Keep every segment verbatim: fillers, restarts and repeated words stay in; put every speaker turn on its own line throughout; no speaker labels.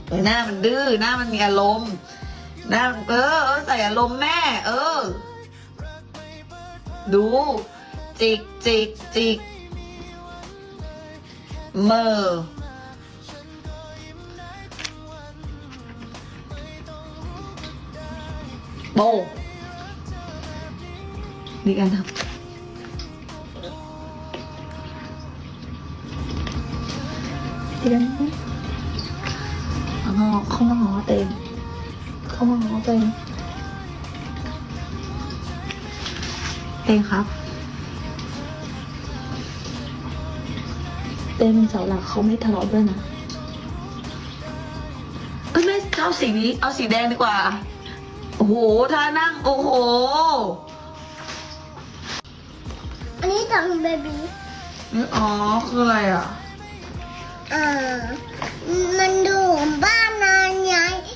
เออหน้ามันดื้อหน้ามันมีอารมณ์หน้าเออเออใส่อารมณ์แม่ เออ ดู จิกจิกจิกเมอโบนี่กันครับเดี๋ยวเขาเขามาง้อเต็มเขามาง้อเต็มเต็มครับเต็มเป็นเสาหลักเขาไม่ทะเลาะด้วยนะเอ้ยไม่เอาสีนี้เอาสีแดงดีกว่าโอ้โหท่านั่งโอ้โห
อันนี้ตังเบบี้
นี่อ๋อคืออะไรอ่ะ
อ่ามันดูบ้านนานไง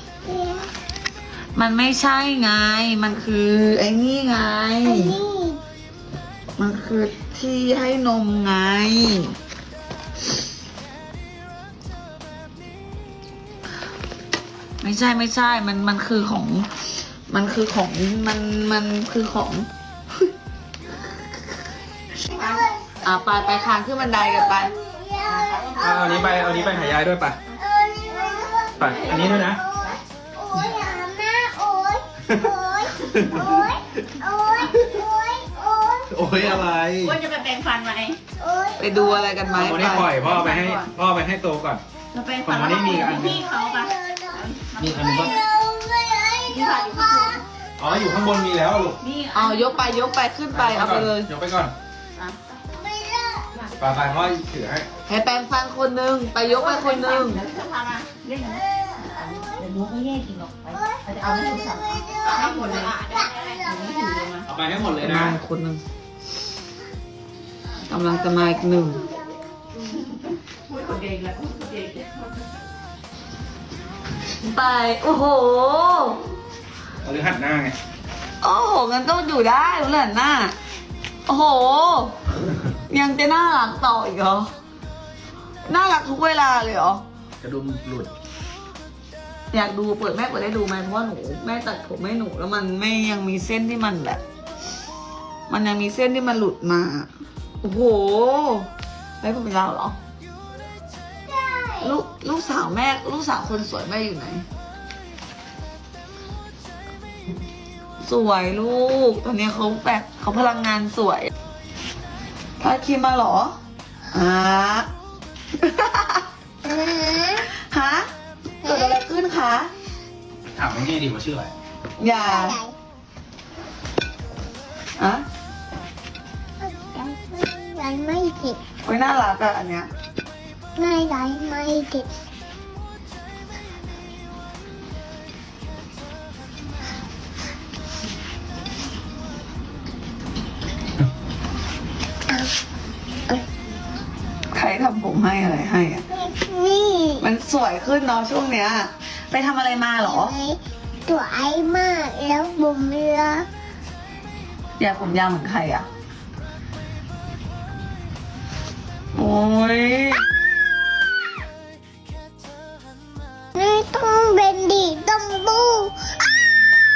มันไม่ใช่ไงมันคือไอ้นี่ไง
อันนี้
มันคือที่ให้นมไงไม่ใช่ไม่ใช่มันมันคือของมันคือของมันมันคือของอ่ะไปไปคานขึ้นบันไดกันไป
เอาอันนี้ไปเอาอันนี้ไปหายายด้วยไปไปอันนี้ด้วยนะ
โอ้ยอ่ะแม่โอ้ยโอ้ยโอ้ยโอ้ยโอ้ยโอ้ย
โอ้ยอะไร
ว่าจะไปแปรงฟันไหม
โอ้ย
ไปดูอะไรกันไหม
วันนี้ปล่อยพ่อไปให้พ่อไปให้โตก่อน
จะแปรงฟัน
ของวันนี้มีอันหนึ่ง
พี่เขาปะ
นี่อันนี้ก็
พี่เขาอยู่ข้างบน
อ๋ออยู่ข้างบนมีแล้วลูก
นี่
อ๋อยกไปยกไปขึ้นไปเอาไปเลย
ยกไปก่อน
อ่ะ
ไม่เลิก
ไปไปพ่อถือให้
ให้แปรงฟันคนหนึ่งไปยกไปคนหนึ่ง
เดี๋ยวจะพามาเล่นนะเดี๋ยวลูกไม่แย่กินหรอกไปเราจะเอาให้ลูกสั่งให้หมดเลยได้ได้ได้หนูไม่ถือเลยมา
เอาไปให้หมดเลยนะ
มาคนหนึ่งกำลังจะมาอีกหนึ่ง
พูดคนเดียวแล้วพูดคนเดียว
ไปโอ้โห
เอาหรือหันหน้าไง
โอ้โหงั้นก็อยู่ได้เหรอหน้าโอ้โห ยังจะน่ารักต่ออีกเหรอน่ารักทุกเวลาเลยเหรอ
กระดุมหลุด
อยากดูเปิดแม่เปิดได้ดูไหมเพราะว่าหนูแม่ตัดผมให้หนูแล้วมันไม่ยังมีเส้นที่มันแบบ มันยังมีเส้นที่มันหลุดมาโอ้โหไว้ผมยาวเหรอลูกลูกสาวแม่ลูกสาวคนสวยแม่อยู่ไหน สวยลูกตอนนี้เขาแบบเขาพลังงานสวยทาครีมมาเหรอฮะ ฮะเกิดอะไรขึ้นคะ
ถามง่ายๆดีว่าชื่ออะไร
อย่าอะ
ยังไม่ติด
โอ้ยน่ารักอะอันเนี้ย
ไม่ได้ไม่ติดเอาเอา
ใครทำผมให้อะไรให้อะ
นี่
มันสวยขึ้นเนาะช่วงเนี้ย ไปทำอะไรมาเหรอ
ตัวไอ้มากแล้วบุ๋มเรือ
อยากผมยาวเหมือนใครอะโอ้ย
นี่ต้องเป็นดีต้องบูอ้า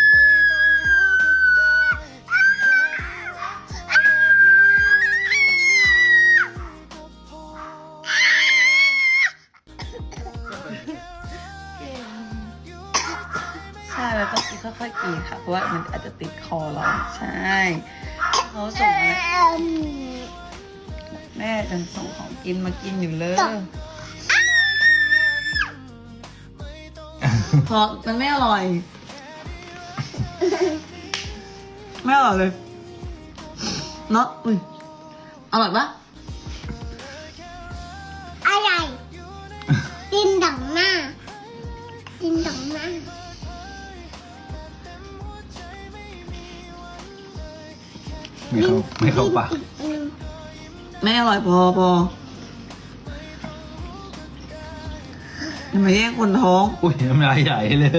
ใช่แล้วต้องค่อยๆกินค่ะเพราะว่ามันอาจจะติดคอเราใช่เขาส่งมา
อืม
แม่จะส่งของกินมากินอยู่เลยเพราะมันไม่อร่อย ไม่อร่อยเลยเนาะอุ้ยอร่อยปะ
อะไรดินดังหน้าดินดังหน้า
ไม่เข้าไม่เข้าปาก
อืม
ไม่อร่อยพอพออย่ามาแย่งคนท้อง
อุ้ยน้ำลายใหญ่เลย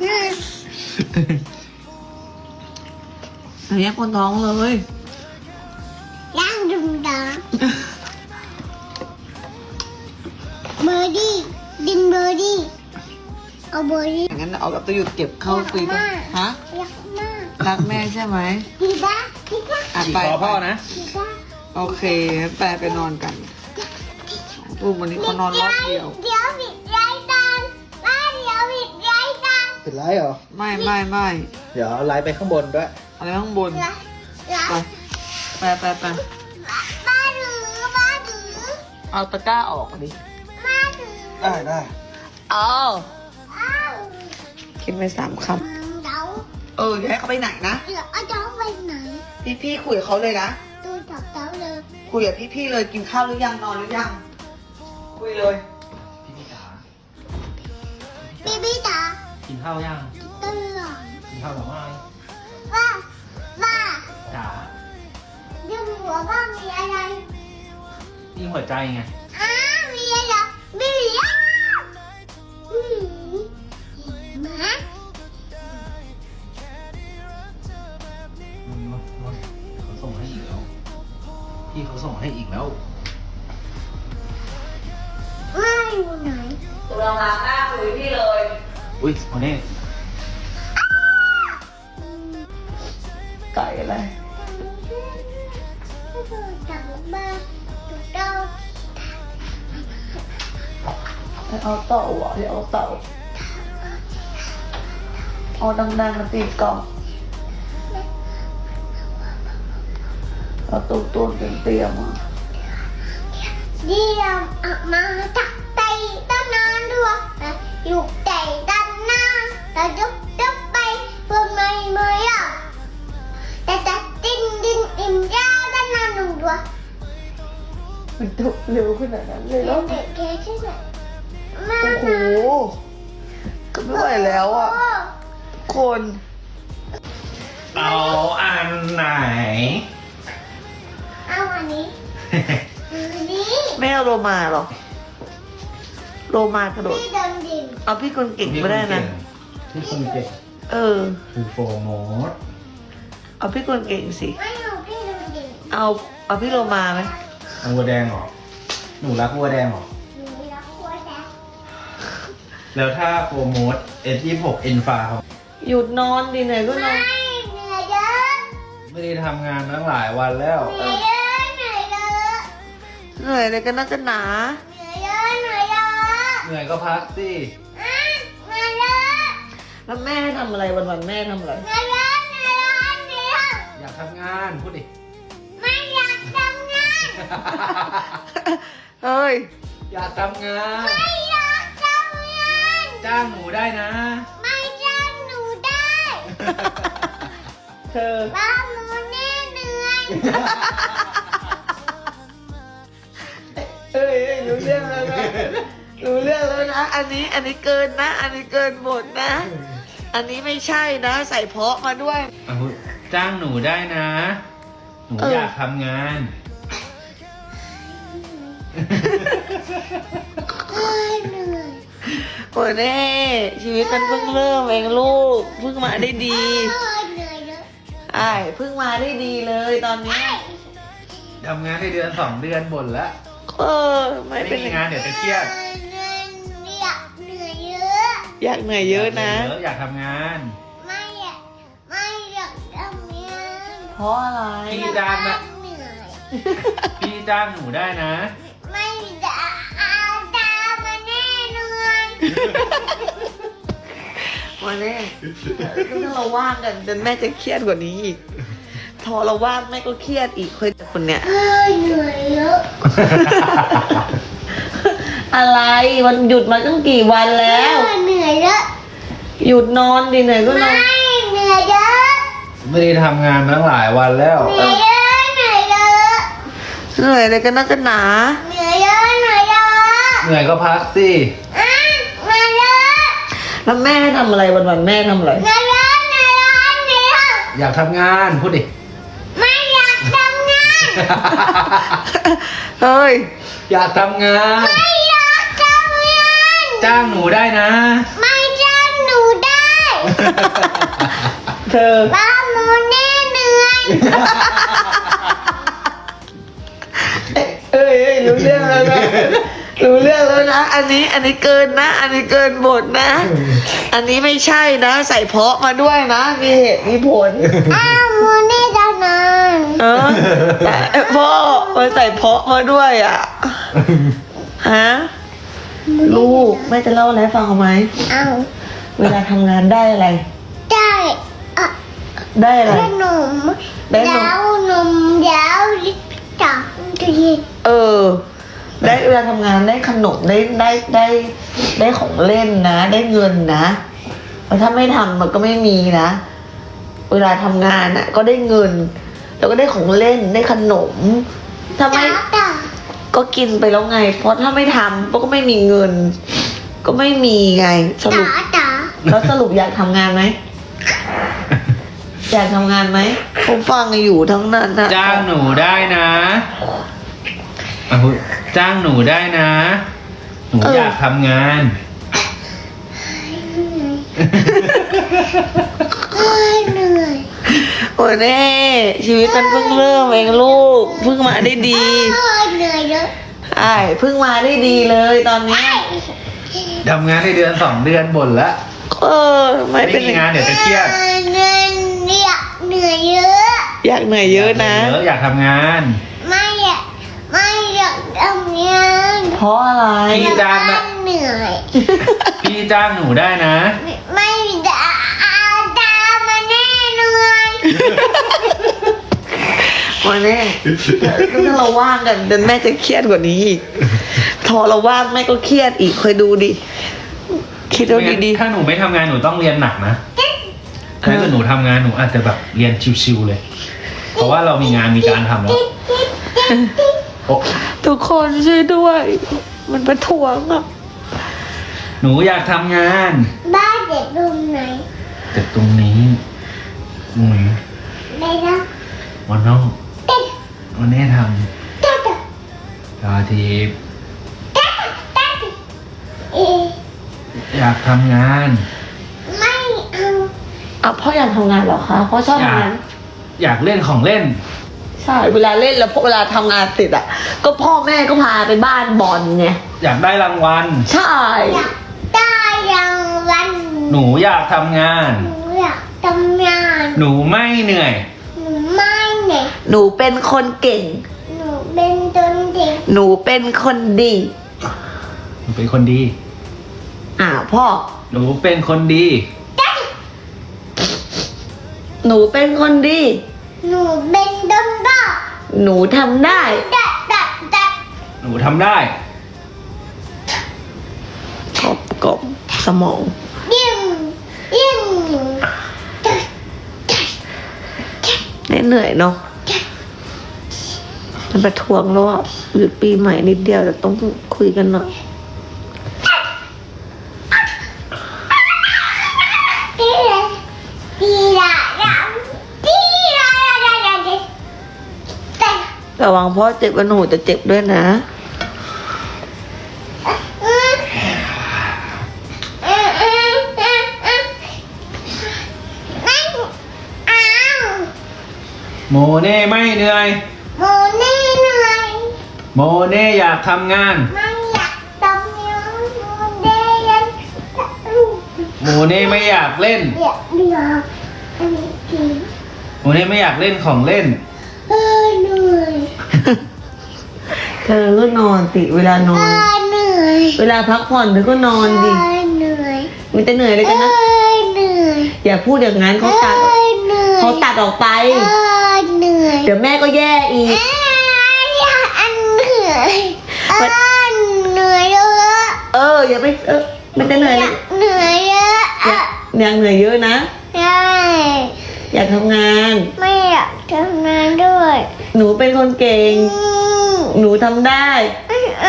อย่าแย่งคนท้องเลย
ย่างดุมดาเบอร์ดี้ดินเบอร์ดี้เอาเบอร์นี้
งั้นเอากับตัวหยุดเก็บเข้าฟรีก่อนฮะ
รักมาก
รักแม่ใช่ไหม
พี่บ้าพี่บ้า
อ่ะ
ขี่
ไป
คอพ่อนะ
พี่บ้า
โอเคไปไปนอนกันลูกวันนี้เขานอนรอบเดียว
เดี๋ยวบิดไรตังบ้านเดี๋ยวบิดไรตัง
เป็นไรเหรอ
ไม่ไม่ไม่
เดี๋ยวไลฟ์ไปข้างบนด้วย
อะไรข้างบน
รักรัก
ไปไปไปไป
บ้านหรือบ้านหรือ
เอาตะกร้าออกดิ
บ้านหรือ
ได้ได้
เอา
อ้าว
คิดไปสามค
เดา
ำเออเดี๋ยวให้เขาไปไหนนะ
เดี๋ยวเอาเดาไปไหน
พี่พี่คุยกับเขาเลยนะ
ตัวจับเดาเลย
คุยกับพี่พี่เลยกินข้าวหรือยังนอนหรือยัง คุยเลย
พี่พี่จ๋า
บีบีจ๋า
กินข้าวยัง
ตื่น
กินข้าวหรือไม่
ว่าว่า
จ๋า
เรื่องหัวบ้างมีอะไร
นี่หัวใจไง
อ้ามีอะไรมีอะไรอืมหมา
เขาส่งให้อีกแล้ว พี่เขาส่งให้อีกแล้ว
ไม่อยู่ไหน
ตัวเราล้างหน้าคุยพี่เลย
อุ้ยวันนี้
ไก่อะไร
จับบ้านเดา
ให้เอาเต่าอ่ะให้เอาเต่าเอาดังๆมาตีกล่องเอาตุ้มตุ้มเตรียมๆอ่ะ
เดี๋ยวออกมาตักไตต้นนานด้วยอยู่ใจด้านหน้าแต่ยกยกไปเพื่อไม่เมื่อยแต่แต่ดินดินอิ่มยาด้านหน้าหนุ่มด้วย
มันจบเร็วขนาดนั้นเลยเหรอ
เด็กแค่ใช่ไหมมา
โอ้โหก็ไม่ไหวแล้วอ่ะคน
เอาอันไหน
เอาอันนี้อันนี้
ไม่เอาโลมาหรอโลมากระโดด
พี่เดินดิน
เอาพี่คนเก่งไม่ได้นะ
พี่คนเก่ง
เออ
คือโฟร์โมด
เอาพี่คนเก่งสิ
ไม่เอาพี่เดินดิน
เอาเอาพี่โลมาไหม
เอาวัวแดงเหรอ หนูรักวัวแดงเหรอ
หนูรักหัวแดง
แล้วถ้าโฟร์โมด เอส ยี่สิบหก อินฟา
หยุดนอนดิไหนก็น
ไม่
อน
เหนื่อยเยอะ
ไม่ได้ทำงานตั้งหลายวันแล้ว
เหนื่อยเยอะเหนื่อยเยอะ
เหนื่อยเลยกันนักกันหนา
เหนื่อยเยอะเหนื่อยเยอะ
เหนื่อยก็พักสิ
อ่ะเหนื่อยเยอะ
แล้วแม่ให้ทำอะไรวันๆแม่ทำอะไร
เหนื่อยเยอะเหนื่อยเยอะเหนื่อยเยอะ
อยากทำงานพูดดิ
ไม่อยากทำงาน
เฮ้ย
อยากทำงาน
ไม่อยากทำงาน
จ้างหนูได้นะ
ไม่จ้างหนูได้
เธอ
บ้าหนูแน่เหนื่อย
เอ้ยเอ้ยรู้เรื่องแล้วนะรู้เรื่องแล้วนะ อันนี้อันนี้เกินนะ อันนี้เกินบทนะ อันนี้ไม่ใช่นะ ใส่เพาะมาด้วย
เอาจ้างหนูได้นะ หนู
เออ
อ
อ
ยากทำงาน
เอ้ยเหนื่อย
โอ้ยเน่ชีวิตมันเพิ่งเริ่มเองลูก เพิ่งมาได้ดี
เอ้ยเหนื่อยเยอะ
ไอ้ายเพิ่งมาได้ดีเลยตอนเนี้ย
ทำงานได้เดือนสองเดือนบ่นแล้ว
เออไม่
ไม่
เป็น
มีงานเดี๋ยวจะเครียด
เหนื่อยอยากเหนื่อยเยอะ
อยากเหนื่อยเยอะนะ
เยอะอยากทำงาน
ไม่อยากไม่อยากทำงาน
เพราะอะไร
พี่จ้างนะ
เหนื่อย
พี่จ้างหนูได้นะ
ไม่จะเอาตามาแน่นอน
วันนี้ถ้าเราว่างกันจนแม่จะเครียดกว่านี้อีกพอเราว่างแม่ก็เครียดอีกคนคนเนี้ย
เอ้ยเหนื่อยเยอะ
อะไรวันหยุดมาตั้งกี่วันแล้ว
เหนื่อยเยอะ
หยุดนอนดิเหนื่อยก็นอน
ไม่เหนื่อยเยอะ
ไม่ได้ทำงานตั้งหลายวันแล้ว
เหนื่อยเยอะเหนื่อยเยอะ
เหนื่อยเลยกันนักกันหนา
เหนื่อยเยอะเหนื่อยเยอะ
เหนื่อยก็พักสิ
อ่ะเหนื่อยเยอะ
แล้วแม่ให้ทำอะไรวันๆแม่ทำอะไร
เหนื่อยเยอะเหนื่อยเยอะเหนื่อยเยอะ
อยากทำงานพูดดิ
ไม่อยากทำงาน
เฮ้ย
อยากทำงาน
ไม่อยากทำงาน
จ้างหนูได้นะ
ไม่จ้างหนูได้
เธอ
บ้าหมูแน่เหนื่อย
เอ้ยเอ้ยรู้เรื่องแล้วนะรู้เรื่องแล้วนะ อันนี้อันนี้เกินนะ อันนี้เกินบทนะ อันนี้ไม่ใช่นะ ใส่เพาะมาด้วยนะ มีเหตุมีผล
อ้าวโมเน่ดานาน
เออแต่พ่อมันใส่เพาะมาด้วยอ่ะ ฮะ ลูกแม่จะเล่าอะไรให้ฟังเอาไหม
อ้าว
เวลาทำงานได้อะไร
ได้อะ
ได้อะไร
ขนม
ได้นม
ยาวนมยาวลิปจับดี
เออ ได้เวลาทำงานได้ขนมได้ได้ได้ได้ของเล่นนะ ได้เงินนะเพราะถ้าไม่ทำมันก็ไม่มีนะ เวลาทำงานอ่ะ ก็ได้เงิน แล้วก็ได้ของเล่นได้ขนม ถ้าไม่
จ้าจ้า
ก็กินไปแล้วไง เพราะถ้าไม่ทำก็ไม่มีเงิน ก็ไม่มีไง สรุ
จ้า
ป
จ้า
แล้วสรุปอยากทำงานไหม อยากทำงานไหมผมฟังอยู่ทั้งนั้นนะ
จ้างหนูได้นะอ่ะพูดจ้างหนูได้นะ หนูอยากทำงาน
เอ้ยเหนื่อย
โอ้ยแน่ชีวิตมันเพิ่งเริ่มเองลูกเพิ่งมาได้ดี
เอ้ยเหนื่อยเยอะ
ใช่เพิ่งมาได้ดีเลยตอนเนี้ย
ทำงานในเดือนสองเดือนบ่นละ
เออไม่
ไม่
เป็น
มีงานเดี๋ยวจะเครียด
เหนื่อยเนี่ยเหนื่อยเยอะ
อยากเหนื่อยเยอะนะ
เยอะอยากทำงาน
ไม่อยากไม่อยากทำงาน
เพราะอะไร
พี่จ้างนะ
เหนื่อย
พี่จ้างหนูได้นะ
ไม่ได้อาตามาแน่เหนื่อย
วันนี้ถ้าเราว่างกันเดี๋ยวแม่จะเครียดกว่านี้อีกพอเราว่างแม่ก็เครียดอีกคอยดูดิคิดเอาดี
ถ้าหนูไม่ทำงานหนูต้องเรียนหนักนะถ้าเกิดหนูทำงานหนูอาจจะแบบเรียนชิวๆเลย เพราะว่าเรามีงานมีการทำแล้วโอ้
ๆทุกคนช่วยด้วย มันประท้วงอ่ะ
หนูอยากทำงาน
บ้านเด็กตรงไหน
แต่ตรงนี้ตรงนี้
ได้นะ
วันนอก
เต้น
วันนี้ท
จ้าจ้า
ำตาที
จ้าจ้าเอ๊ะ
อยากทำงาน
ไม่เอา
อ่ะพ่ออยากทำงานเหรอคะพ่อชอบ
อยาก
ทำงาน
อยากเล่นของเล่น
ใช่เวลาเล่นแล้วพอเวลาทำงานเสร็จอ่ะ ก็พ่อแม่ก็พาไปบ้านบอลไง
อยากได้รางวัล
ใช่
อยากได้รางวัล
หนูอยากทำงาน
หนูอยากทำงาน
หนูไม่เหนื่อย
หนูไม่เนี่ย
หนูเป็นคนเก่ง
หนูเป็นตนเด็ก
หนูเป็นคนดี
หนูเป็นคนดี
อ่าพ่อ
หนูเป็นคนดี
หนูเป็นคนดี
หนูเป็นตนบ้า
หนูทำได้
ดัดดัดดัด
หนูทำได้
กบกบสมอง
ยิ่งยิ่ง
เหนื่อยเนาะมันประท้วงแล้วอ่ะหยุดปีใหม่นิดเดียวแต่ต้องคุยกันหน่อย
ดีละดีละดีละดีละดีแต่
ระวังพ่อเจ็บกับหนูจะเจ็บด้วยนะ
อืมอืมอืมอืมอืมไม่เอา
โมเน่ไม่เหนื่อย
โมนี่เหนื่อย
โมเน่อยากทำงาน
ไม่อยากทำงานโมเดน
โมเน่ไม่อยากเล่น
เดี๋ยวเดี๋ยวอันนี้ที
โมเน่ไม่อยากเล่นของเล่น
เออเหนื่อย
เธอก็นอนสิเวลาน
เอ
อน
อเหนื่อย
เวลาพักผ่อนเธอก็นอน
เอ
ดิ
อเหนื่อย
มันจะเหนื่อยเลย
เอ
กันนะ
อเหนื่อย
อย่าพูดอย่างนั้น
เอ
เขาตัด
อเหนื่อย
เขาตัดออกไป
เออเหนื่อย
เดี๋ยวแม่ก็แย่อี
เอก ออันเหนื่อยเออเหนื่อยเยอะ
เออ อย่าไปเออมันจะเหนื่อย
อยา
นะ
กเหนื่อยเยอะ
อย่าอย่างเหนื่อยเยอะนะ
ใช่
อยากทำงาน
ไม่อยากทำงานด้วย
หนูเป็นคนเก่ง
อืม
หนูทำได้
ไม่เอา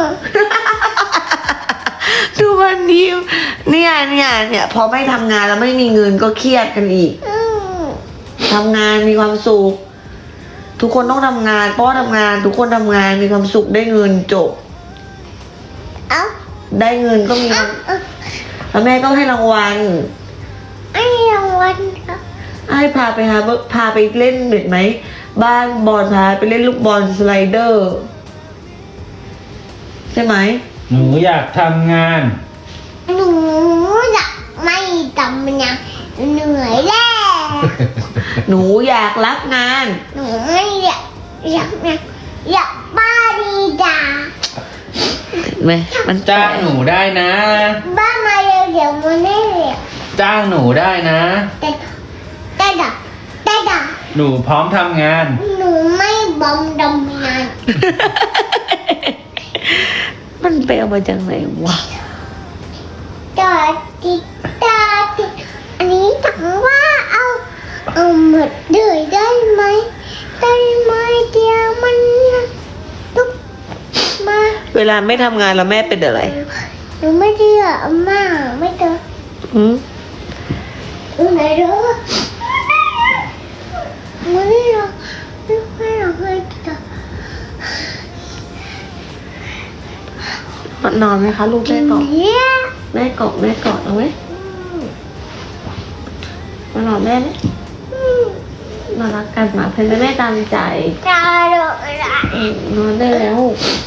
ดูวันนี้เนี่ยเนี่ยเนี่ยพอไม่ทำงานแล้วไม่มีเงินก็เครียดกันอีก
อืม
ทำงานมีความสุข ทุกคนต้องทำงานพ่อทำงาน ทุกคนทำงานมีความสุขได้เงินจบ
เอา
ได้เงินก็มี
เอาเอา
แล้วแม่ก็ให้รางวัล
ไอ้รางวัลครับ
ให้พาไปหาพาไปเล่นเด็ดไหมบ้านบอลพาไปเล่นลูกบอลสไลเดอร์ สช่ไหม
หนูอยากทำงาน
หนูอยากไม่ทำงานเหนื่อยแล้ว
หนูอยากรับงาน
หนูไม่อยากอยากนะอยากบ้าดีดา
เห็นไหมมัน
จ้างหนูได้นะ
บ้ามาเร็วเดี๋ยวมันไม่เร็ว
จ้างหนูได้นะ
แต่แต่ดักแต่ดัก
หนูพร้อมทำงาน
หนูไม่บอมดำงาน
มันไปเอามาจากไหนวะ
ตาติตาติอันนี้ถามว่าเอาเอาหมดเลยได้ไหมได้ไหมเดี๋ยวมันลุกมา
เวลาไม่ทำงานแล้วแม่เป็นอะไร
หนูไม่ได้อะอาม่าไม่เจอ
อืม
หนูไหนเด้อไม่ได้หรอกไม่ไม่หรอกไม่เจอน
อนไหมคะลูกแม่กอด
เนี่ย
แม่กอดแม่กอดเอาไหมมานอนแม่ไหมมารักกันมาเพื่อนแม่ตามใจ
ตาโดนอะไร
อืมนอนได้แล้ว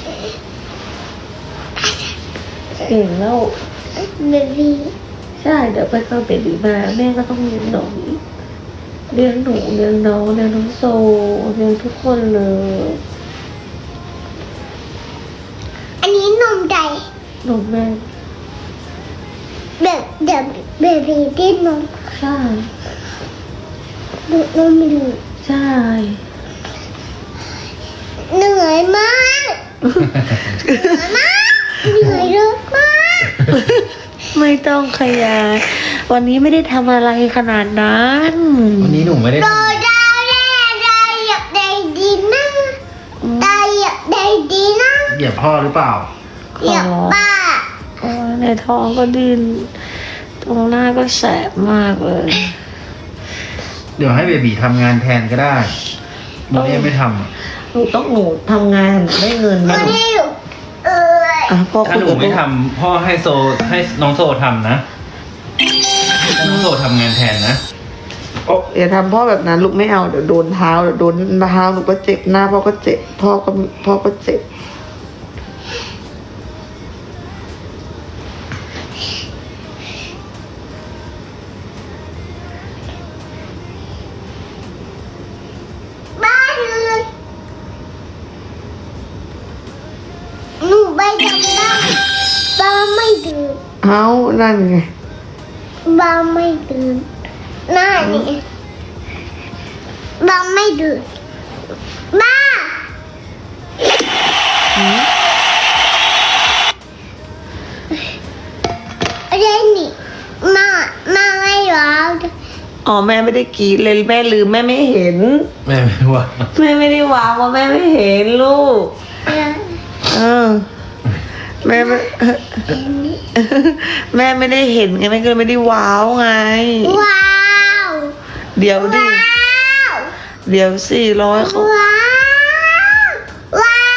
เก่งแล้ว
เบบี
ใช่เดี๋ยวไปเข้าเบบีมาแม่ก็ต้องเลี้ยงน้องเลี้ยงหนูเลี้ยงน้องเลี้ยงน้องโซเลี้ยงทุกคนเลย
อันนี้นมใจ
นมแม่
แบบแบบเบบีที่นม
ใช่
ดูดนมดู
ใช่
เหนื่อยมากเหนื่อยมากเหนื่อยเยอะมาก
ไม่ต้องขยายวันนี้ไม่ได้ทำอะไรขนาดนั้น
วันนี้หนูไม่ได้
โด
ทำ
ดาแร่ได้อยากได้ดีนะได้อยากได้ดีนะ
เหยียบพ่อหรือเปล่า
อยากบ้า
โอ้ยในท้องก็ดิ้นตรงหน้าก็แสบมากเลย
เดี๋ยวให้เบบีทำงานแทนก็ได้โมเน่ไม่ทำอะ
หนูต้องหนูทำงานได้เงิน
ไม่
นะหนู
ได้อยู่เออ
อ่ะพ่อ
ถ้า
คุย
หนู
กับ
ไม่
ลูก
ทำพ่อให้โซให้น้องโซทำนะให้น้องโซทำงานแทนนะ
อย่าทำพ่อแบบนั้นลูกไม่เอาเดี๋ยวโดนเท้าเดี๋ยวโดนเท้าหนูก็เจ็บหน้าพ่อก็เจ็บพ่อก็พ่อก็เจ็บ
บ้าเลยหนูไปทำได้บ้าไม่ตื่น
เอานั่นไง
บ้าไม่ตื่นหน้านี่บ้าไม่ตื่นบ้าเรนนี่มามาไม่ร้อง
อ๋อแม่ไม่ได้กรีดเลยแม่ลืมแม่ไม่เห็น
แม่ไม่ว่า
แม่ไม่ได้วางว่าแม่ไม่เห็นลูก เออ แม่ไม่ แม่ไม่ได้เห็นไงแม่ก็เลยไม่ได้ว้าวไง
ว้าว
เดี๋ยวดิ
ว้าว
เดี๋ยวสี่ร้อยเขา
ว้าวว้าว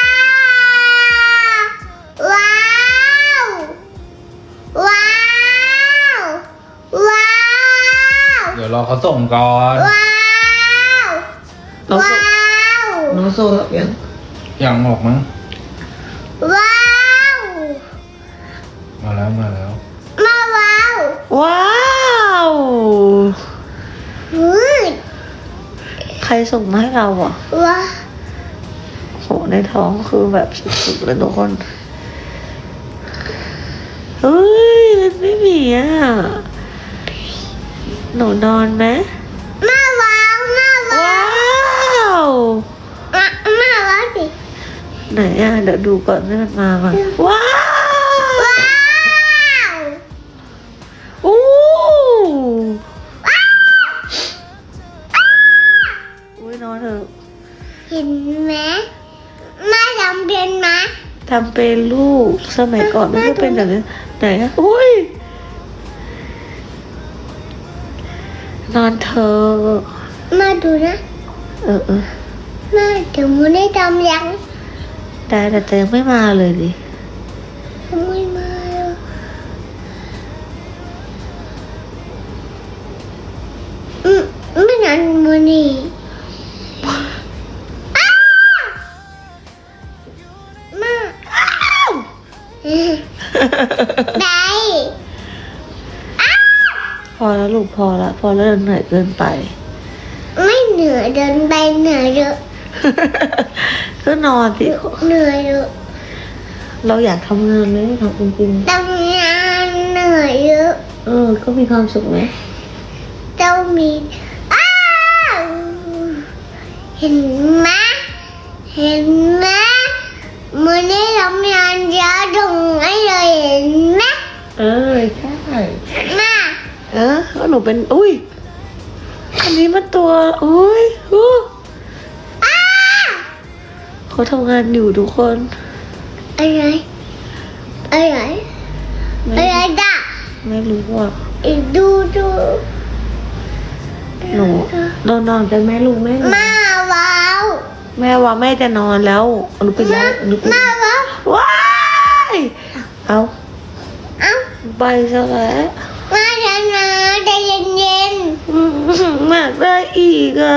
ว้าวว้าวว้าว
เดี๋ยวรอเขาส่งก่อน
ว้าว
น้องโซ
ว้าว
น้องโซหลับยัง
อย่างหมกมั้ง
ว้าว
มาแล้วมาแล้ว
มาว้าว
ว้าว
อุ้ย
ใครส่งมาให้เราอ่ะ
ว้าว
โหในท้องคือแบบสุดๆเลยทุกคน เฮ้ยมันไม่มีอ่ะ หนูนอนไหม
มาว้าวมาว้าว
ว้าว
มามาว้าวสิ
ไหนอ่ะ เดี๋ยวดูก่อนให้มันมาก่อนว้าว
ว้าว
อู้
ว้าว
อุ้ยนอนเถอะ
เห็นไหมมาทำเป็นไหม
ทำเป็นลูก สมัยก่อนไม่ได้เป็นแบบนี้ไหนอ่ะอุ้ย นอนเถอะ
มาดูนะ
เออเออ
มาเดี๋ยวมันได้ทำยัง
ได้แต่เธอยังไม่มาเลยดิ
ทำไมมาอ่ะอืมไม่นานมันนี่อ้าวมาอ้าว
อแล้วลูกพอแล้วพอแล้วเหนื่อยเกินไป
ไม่เหนื่อยเดินไปเหนื่อยเยอะ
ก็นอนสิ
เหนื่อยเยอะ
เราอยากทำงานไหมทำจริง
ทำงานเหนื่อยเยอะ
ๆเออก็มีความสุขไหม
เจ้ามีอ้าวเห็นไหมเห็นไหมมือนี้ทำงานเยอะตรงไหนเลยเห็นไหม
เออใช่
มา
เออก็หนูเป็นอุ้ยอันนี้มันตัวอุ้ยอู้
อ้า
เขาทำงานอยู่ทุกคน
อะไรอะไร
ไม่
อะไรด่ะ
ไม่รู้ว่า
อีกดูดู
หนูนอนนอนกันแม่ลูกแม่หนู
มาว้าว
แม่ว่าแม่จะนอนแล้วหนูปิดแล้วหนูปิด
มาว้าว
ว้ายเอา
เอ้า
ไปซะแล้ว
มาเถอะนะใจเย็น
อืมอยากได้อีกอ่ะ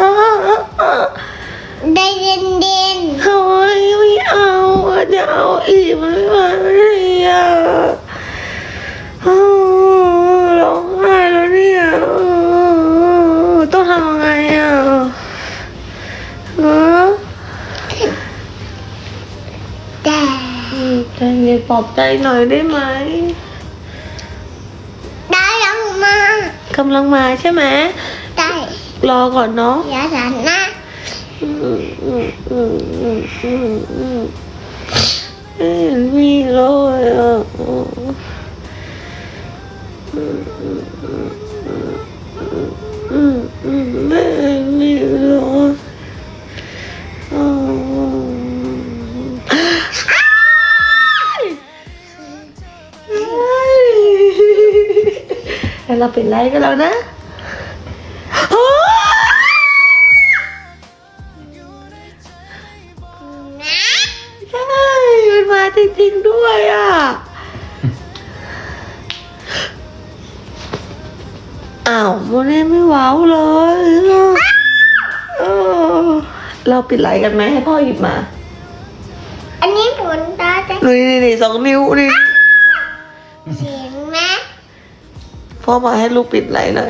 ๆใจเย็น
เฮ้ยไม่เอาอะจะเอาอีกมันไม่ไหวเลยอ่ะอ้าวร้องไห้แล้วเนี่ยอ้าวต้องทำยังไงอ่ะฮะ
ๆแต่
อืมใจเย็นปลอบใจหน่อยได้ไหม
ได้ยังมาก
ำลังมาใช่ไหม
ได้
รอก่อนเนาะ
อย่าสันนะ
อืมอืมอืมอืมอืมอืมไม่เห็นมีเลยอ่ะอืมอืมอืมอืมอืมไม่เห็นมีเลยอืมแล้วเราเป็นไรกันแล้วนะโอ้ใช่มันมาจริงๆด้วยอ่ะ อ้าวโมเน่ไม่ว้าวเลยเออเราปิดไลน์กันไหมให้พ่อหยิบมา
อันนี้ผลตาจะ
นี่นี่นี่สองนิ้วนี่
เสียงไหม
พ่อมาให้ลูกปิดไลน์หน่อย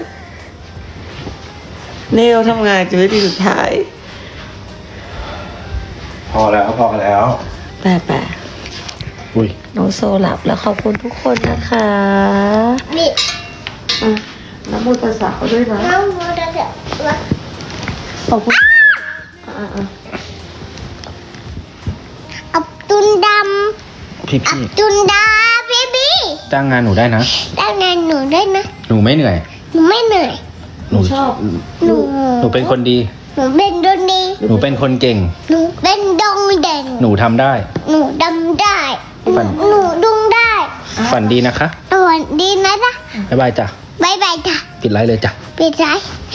เนลทำงานจนวิธีสุดท้าย
พอแล้วพอแล้ว
แปะแปะ
อุ้ย
น้องโซหลับแล้วขอบคุณทุกคนนะคะ
นี่
อ่ะน้ำมูลภาษาเขาด้วยนะ
น้องโมดาเดะวะ
ขอบคุณอ่ะอ่ะอ่ะ
อับตุนด
พี่
ำอับ
พี่
ตุนดาบีบี
จ้างงานหนูได้นะ
ได้ไงหนูได้นะ
หนูไม่เหนื่อย
หนูไม่เหนื่อย
หนู
ชอบ
หนู
หนูเป็นคนดี
หนูเป็นดนดี
หนูเป็นคนเก่ง
หนูเป็นดงเด่น
หนูทำได้
หนูดำได้
ฝัน
หนูดุงได้
ฝันดีนะคะ
สวัสดีนะจ๊ะ
บ๊ายบายจ้ะ
บายบายจ้ะ
ปิดไลฟ์เลยจ้ะ
ปิดใจ
บ